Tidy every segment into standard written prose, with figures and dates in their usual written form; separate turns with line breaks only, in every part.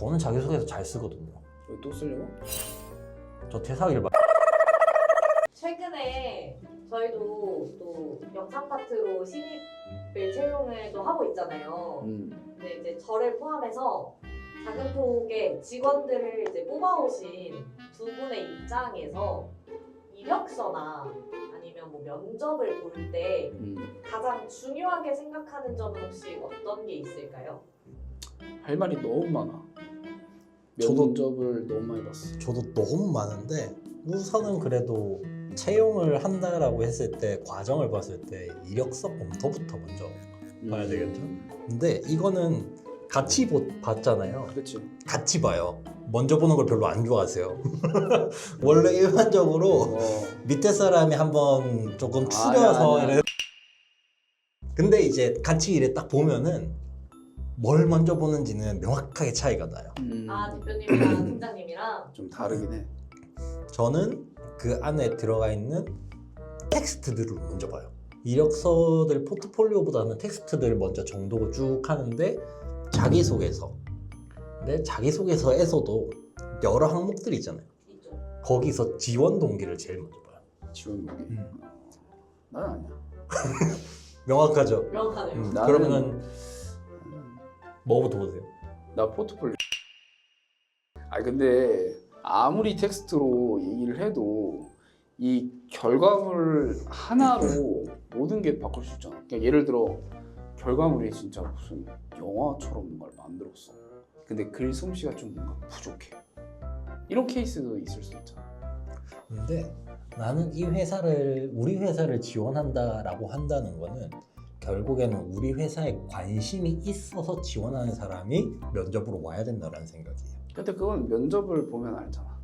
저는 자기소개서 잘 쓰거든요.
왜 또 쓰려고?
저 퇴사하길 바.
최근에 저희도 또 영상 파트로 신입을 채용을 또 하고 있잖아요. 근데 이제 저를 포함해서 작은톡의 직원들을 이제 뽑아오신 두 분의 입장에서 이력서나 아니면 뭐 면접을 볼 때 가장 중요하게 생각하는 점은 혹시 어떤 게 있을까요?
할 말이 너무 많아.
저도-
면접을 너무 많이 봤어.
저도 너무 많은데 우선은 그래도 채용을 한다라고 했을 때 과정을 봤을 때 이력서 검토부터 먼저 봐야 되겠죠. 근데 이거는 같이 봤잖아요.
그렇지.
같이 봐요. 먼저 보는 걸 별로 안 좋아하세요. 원래 일반적으로 밑에 사람이 한번 조금 추려서
아니야.
이래. 근데 이제 같이 이래 딱 보면은 뭘 먼저 보는지는 명확하게 차이가 나요.
아 대표님이랑 팀장님이랑
좀 다르긴 해.
저는 그 안에 들어가 있는 텍스트들을 먼저 봐요. 이력서들 포트폴리오보다는 텍스트들 먼저 정독을 쭉 하는데 자기소개서. 근데 자기소개서에서도 여러 항목들이 있잖아요.
있죠.
거기서 지원 동기를 제일 먼저 봐요.
지원 무기. 나는 아니야.
명확하죠?
명확하네요.
나는-
그러면 뭐부터 보세요?
나 포트폴리오. 근데 아무리 텍스트로 얘기를 해도 이 결과물 하나로 모든 게 바꿀 수 있잖아. 그러니까 예를 들어 결과물이 진짜 무슨 영화처럼 뭔가를 만들었어. 근데 글 솜씨가 좀 뭔가 부족해. 이런 케이스도 있을 수 있잖아.
근데 나는 우리 회사를 지원한다라고 한다는 거는 결국에는 우리 회사에 관심이 있어서 지원하는 사람이 면접으로 와야 된다는 생각이에요.
근데 그건 면접을 보면 알잖아.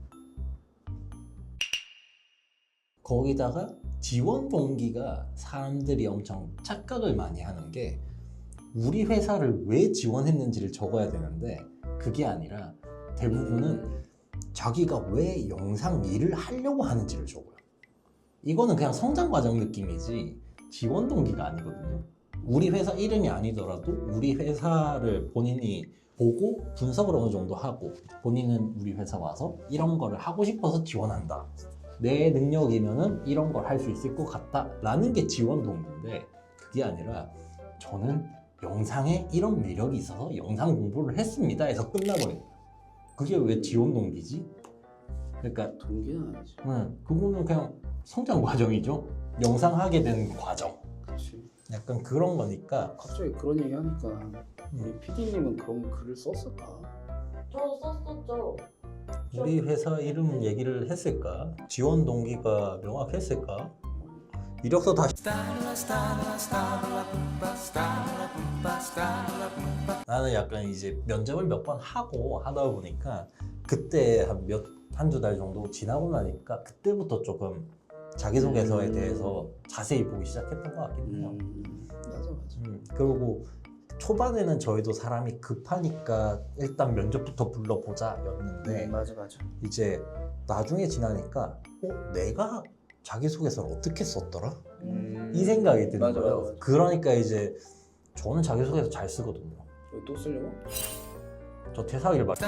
거기다가 지원 동기가 사람들이 엄청 착각을 많이 하는 게 우리 회사를 왜 지원했는지를 적어야 되는데 그게 아니라 대부분은 자기가 왜 영상 일을 하려고 하는지를 적어요. 이거는 그냥 성장 과정 느낌이지 지원 동기가 아니거든요. 우리 회사 이름이 아니더라도 우리 회사를 본인이 보고 분석을 어느 정도 하고 본인은 우리 회사 와서 이런 거를 하고 싶어서 지원한다. 내 능력이면은 이런 걸 할 수 있을 것 같다 라는 게 지원 동기인데 그게 아니라 저는 영상에 이런 매력이 있어서 영상 공부를 했습니다 해서 끝나버려요. 그게 왜 지원 동기지? 그러니까
동기는 아니지.
그거는 그냥 성장 과정이죠. 영상 하게 된 과정.
그렇지.
약간 그런 거니까
갑자기 그런 얘기 하니까 우리 PD님은 그런 글을 썼을까?
저도 썼었죠.
우리 회사 이름 얘기를 했을까? 지원 동기가 명확했을까? 이력서 다시 나는 약간 이제 면접을 몇 번 하고 하다 보니까 그때 한두 달 정도 지나고 나니까 그때부터 조금 자기소개서에 대해서 자세히 보기 시작했던 것 같긴 해요.
맞아.
그리고 초반에는 저희도 사람이 급하니까 일단 면접부터 불러보자 였는데
맞아.
이제 나중에 지나니까 내가 자기소개서를 어떻게 썼더라? 이 생각이 드는
맞아,
거예요.
맞아.
그러니까 이제 저는 자기소개서 잘 쓰거든요.
왜 또 쓰려고?
저 퇴사하길 바.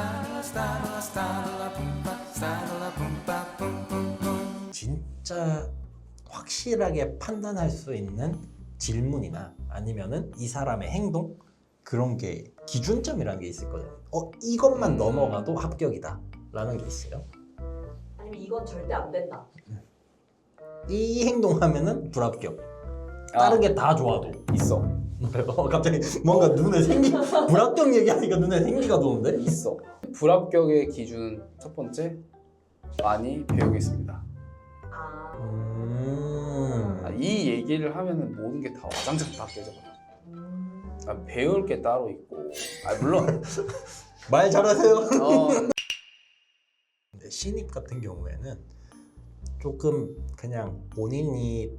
진짜 확실하게 판단할 수 있는 질문이나 아니면은 이 사람의 행동 그런 게 기준점이라는 게 있을 거예요. 이것만 넘어가도 합격이다 라는 게 있어요.
아니면 이건 절대 안 된다.
이 행동하면은 불합격. 다른 게 다 좋아도.
있어.
갑자기 뭔가 눈에 불합격 얘기하니까 눈에 생기가 도는데?
있어. 불합격의 기준 첫 번째, 많이 배우겠습니다. 이 얘기를 하면은 모든 게 다 와장창 다 깨져버려. 배울 게 따로 있고, 물론
말 잘하세요.
근데
신입 같은 경우에는 조금 그냥 본인이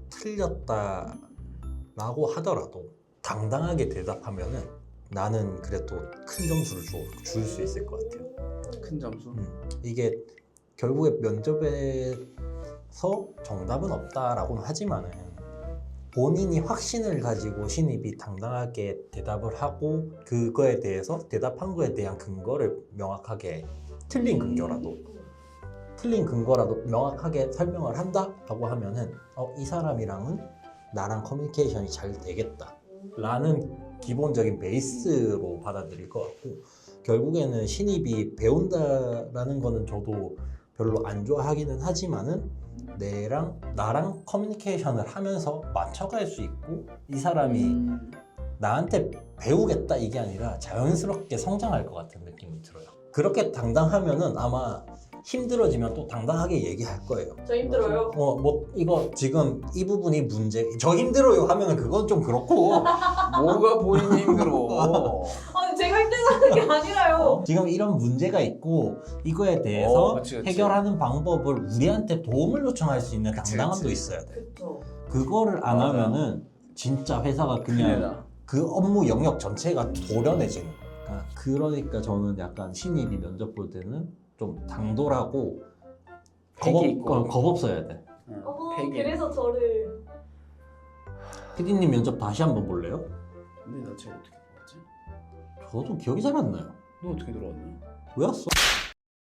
틀렸다라고 하더라도 당당하게 대답하면은 나는 그래도 큰 점수를 줄 수 있을 것 같아요.
큰 점수.
이게 결국에 면접에서 정답은 없다라고는 하지만은 본인이 확신을 가지고 신입이 당당하게 대답을 하고 그거에 대해서 대답한 거에 대한 근거를 명확하게 틀린 근거라도 명확하게 설명을 한다라고 하면은 이 사람이랑은 나랑 커뮤니케이션이 잘 되겠다 라는 기본적인 베이스로 받아들일 것 같고, 결국에는 신입이 배운다라는 거는 저도 별로 안 좋아하기는 하지만은 나랑 커뮤니케이션을 하면서 맞춰갈 수 있고 이 사람이 나한테 배우겠다 이게 아니라 자연스럽게 성장할 것 같은 느낌이 들어요. 그렇게 당당하면은 아마 힘들어지면 또 당당하게 얘기할 거예요.
저 힘들어요.
뭐 이거 지금 이 부분이 문제, 저 힘들어요 하면은 그건 좀 그렇고
뭐가 본인이 힘들어.
아니 제가 힘들다는 게 아니라요.
지금 이런 문제가 있고 이거에 대해서
그치.
해결하는 방법을 우리한테 도움을 요청할 수 있는
그치,
당당함도
그치.
있어야 돼.
그쵸.
그거를 안
맞아요.
하면은 진짜 회사가 그냥
큰일이다.
그 업무 영역 전체가 도련해지는 거니까. 그러니까 저는 약간 신입이 면접 볼 때는 좀 당돌하고
패기 있고.
겁 없어야 돼.
어머
패기.
그래서 저를
피디님 면접 다시 한번 볼래요?
근데 나 쟤 어떻게 들어왔지?
저도 기억이 잘 안 나요.
너 어떻게 들어왔니?
왜 왔어?